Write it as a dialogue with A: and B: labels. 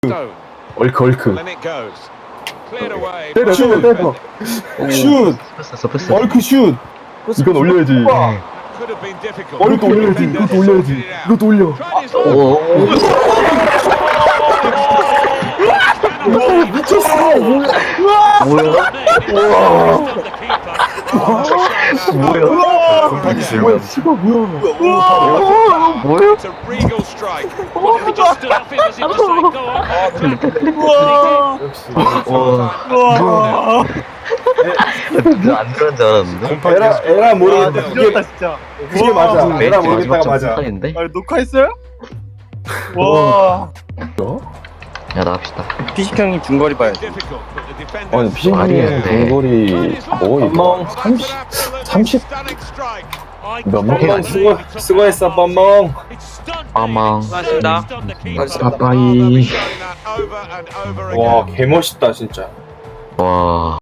A: 얼크.
B: 때려. 슛.
C: 패스.
B: 얼크 슛.
A: 이건 올려야지.
B: 얼크 올려야지.
A: 이것도 올려야지. 이것도 올려.
B: 미쳤어.
A: 뭐야? 씨발 뭐야?
C: 안 그런 줄 알았는데.
B: 에라 모르겠다.
D: 미쳤다 진짜.
B: 그게 맞아. 에라 모르겠다가 맞아.
C: 인데
D: 아 녹화했어요? 와.
C: 야 나갑시다.
D: 피식 형님 중거리 봐야지.
A: 아니
C: 말이
A: 피싱의
C: 안 돼.
A: 동거리 거의 30 몇 명?
B: 수고했어 뻔멍.
C: 빠망.
E: 수고하셨습니다.
C: 빠빠이.
B: 와 개멋있다 진짜.
C: 와.